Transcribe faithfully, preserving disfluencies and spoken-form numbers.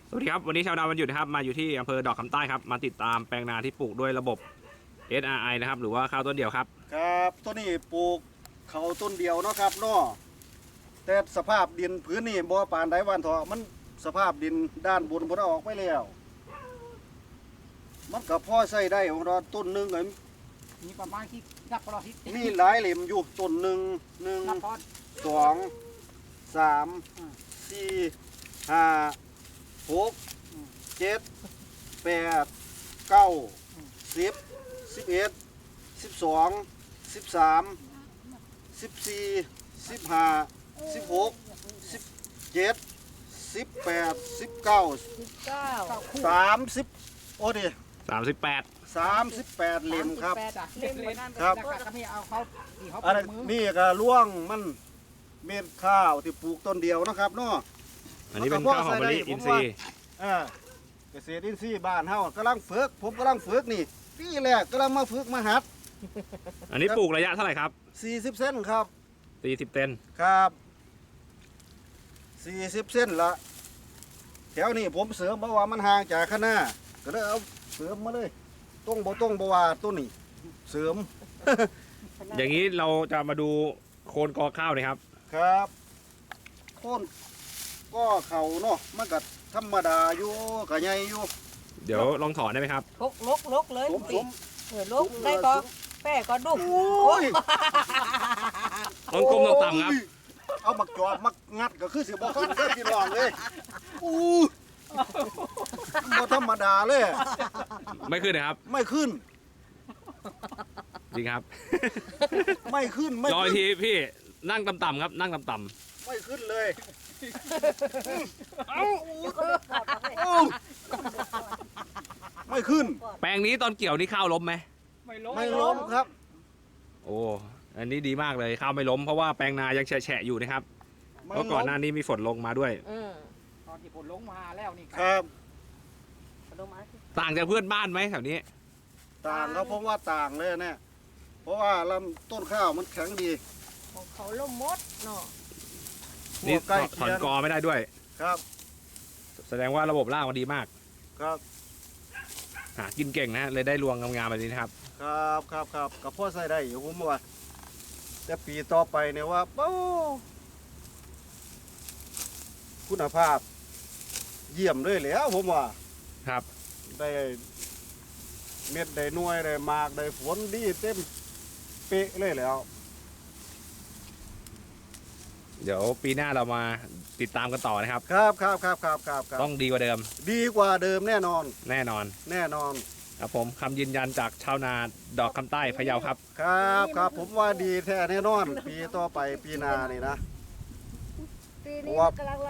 สวัสดีครับวันนี้ชาวนาวันหยุดนะครับมาอยู่ที่อำเภอดอกคำใต้ครับมาติดตามแปลงนาที่ปลูกด้วยระบบ เอส อาร์ ไอ นะครับหรือว่าข้าวต้นเดียวครับครับต้นนี้ปลูกเขาต้นเดียวเนาะครับเนาะแต่สภาพดินพื้นนี่บ่ปานใดวันเถอะมันสภาพดินด้านบนบ่ได้ออกไปแล้วมันก็พอใช้ได้ของเราต้นหนึงไอ้มีประมาณที่นับพอทิศมีหลายเหลี่ยมอยู่ต้นหนึ่งหนึ่งนับพอสองสามอืมสี่ห้าหกอืมเจ็ดแปดเก้าอืมสิบสิบเอ็ดสิบสองสิบสามสิบสี่สิบห้าสิบหกสิบเจ็ดสิบแปดสิบเก้าสิบเก้าเก้าคู่สามสิบโอ้ดิสามสิบแปดสามสิบแปดเหลี่ยมครับสามสิแปดจ้ะเล่มเหมือนกันครับแล้วก็ไม่เอาเขาที่เขาอะไรปลูกมือนี่ก็ล่วงมันเม็ดข้าวที่ปลูกต้นเดียวนะครับเนาะอันนี้เป็นข้าวหอมมะลิอินทรีย์อ่าเกษตรอินทรีย์บ้านเฮากำลังฝึกผมกำลังฝึกนี่ปีแรกกำลังมาฝึกมาหัดอันนี้ปลูกระยะเท่าไหร่ครับสี่สิบเส้นครับสี่สิบเซนครับสี่สิบเส้นละแถวนี้ผมเสริมเพราะว่ามันห่างจากข้างหน้าก็เลยเอาเสริมมาเลยต้องบ่ต้องบ่ว่าต้นนี้เสริมอย่างนี้เราจะมาดูโคนกอข้าวนะครับครับโค่นก็เขาเนาะมันก็ธรรมดาอยู่ก็ใหญ่อยู่เดี๋ยวลองถอนได้ไหมครับลกลกลกเลยสมสมเออลกได้ก็แป้ก็ดุกโอ้ยต้องก้มต้องต่ำครับโอ้ยเอามักจอบมักงัดก็คือสิบ่ขึ้นได้พี่น้องเลยอู้บ่ธรรมดาเลยไม่ขึ้นนะครับไม่ขึ้นจริงครับไม่ขึ้นไม่รออีกขึ้นทีพี่นั่งต่ำๆครับนั่งต่ำไม่ขึ้นเลยเอ้าไม่ขึ้นๆแปลงนี้ตอนเกี่ยวนี่ข้าวล้มไหมไม่ล้มไม่ล้มครับโอ้อันนี้ดีมากเลยข้าวไม่ล้มเพราะว่าแปลงนายังแฉะๆอยู่นะครับไม่เพราะก่ล้อนมหน้านี้มีฝนลงมาด้วยอืมตอนที่ผลลงมาแล้วนี่ครับลงมาสิต่างจากเพื่อนบ้านไหมแถวนี้ต่างครับเพราะว่าต่างเลยเนี่ยเพราะว่าลำต้นข้าวมันแข็งดีของเขาล่มมดเนาะนี่ใกล้ถเคีอนยงกอไม่ได้ด้วยครับแสดงว่าระบบรากมันดีมากครับหากินเก่งนะเลยได้รวงงามๆแบบนี้นะครับครับครับครับกับพ่อใส่ได้อยู่ผมว่าแต่ปีต่อไปเนี่ยว่าโอ้คุณภาพ เยี่ยมเลยแหล้วผมว่าครับได้เม็ดได้หน่วยได้หมากได้ฝนดีเต็มเป๊ะเลยแหล้วเดี๋ยวปีหน้าเรามาติดตามกันต่อนะครับครับครับครับครับครับครับต้องดีกว่าเดิมดีกว่าเดิมแน่นอนแน่นอนแน่นอนครับผมคำยืนยันจากชาวนาดอกคำใต้พะเยาครับครับครับผมว่าดีแท้แน่นอน ปีต่อไปปีหน้านี่นะปีนี้ว่ากำลัง